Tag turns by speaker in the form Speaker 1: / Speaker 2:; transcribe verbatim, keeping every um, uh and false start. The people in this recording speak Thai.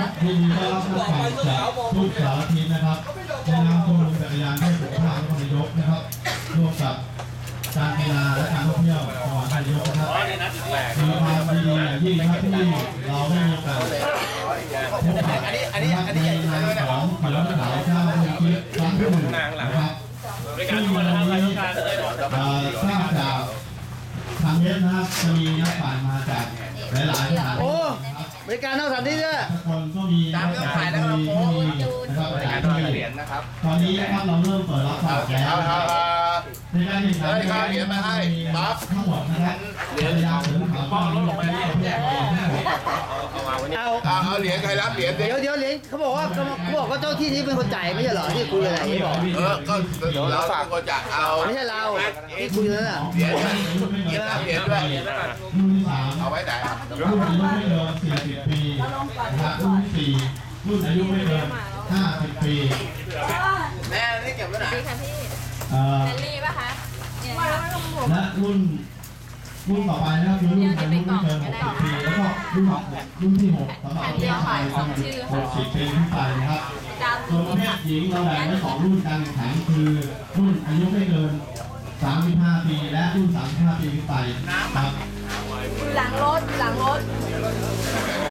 Speaker 1: ยินดีต้อนรับนักแข่งจากทุกสารทิศนะครับในนามชมรมจักรยานเพื่อสุขภาพนครนายกนะครับร่วมกับการกีฬาและการท่องเที่ยวจังหวัดนายกนะครับมีความดีอย่างยิ่งนะครับที่เราได้มีโอกาสพบปะในนามของขวัญสาวเจ้าเมืองทิพย์ครั้งที่หนึ่งนะครับซึ่งวันนี้ทราบจากทางเว็บนะครับจะมีนักปั่นมาจากหลายๆสถานที่นะครับ
Speaker 2: บริการนอกสถานที่ด้วย
Speaker 1: ทุกคนก็มีนักแข่งขันที่มีนะครับหลายที่ตอนนี้นะครับเราเริ่มเปิดรับสมัครแล้วในการแข่งขันในการเหรียญมาให้ปั๊บทั้งหมดนะครับเหรียญยาวถึงขาวลงไปที่ประเทศไทย
Speaker 2: เอา
Speaker 3: เอาเหรียญใครรับเหรียญ
Speaker 2: เดี๋ยวเดี๋ยวเหรียญเขาบอกว่าเขาบอกว่าเจ้าที่นี้เป็นคนจ่ายไม่ใช่เหรอที่คุยอะไรที่บอก
Speaker 3: เออก็เราฝากคนจ่ายเอา
Speaker 2: ไม่ใช่เราที่คุยนั่นน่ะ
Speaker 3: เหรียญเหรียญเหรียญด้วย
Speaker 1: รุ่นที่สาม
Speaker 3: เอาไว้ไหน
Speaker 1: รุ่นอายุไม่เกินสี่สิบปีนะครับรุ่นที่สี่รุ่นอายุไม่เกินห้าสิบปี
Speaker 3: แม่นี่เก็บไว้ไหน
Speaker 4: ดีค่ะพี่
Speaker 1: เอ่อ
Speaker 4: แมรี่ป่ะคะ
Speaker 1: และรุ่นรุ่นต่อไปนะครับคือรุ่นอายุไม่เกินหกสิบปีแล้วก็รุ่นรุ่นที่หกสำหรับประเทศไทยหกสิบปีขึ้นไปนะครับส่วนประเภทหญิงเราแบ่งไว้สองรุ่นการแข่งขันคือรุ่นอายุไม่เกินสามสิบห้าปีและรุ่นสามสิบห้าปีขึ้นไปครับ
Speaker 4: หลังรถหลังรถ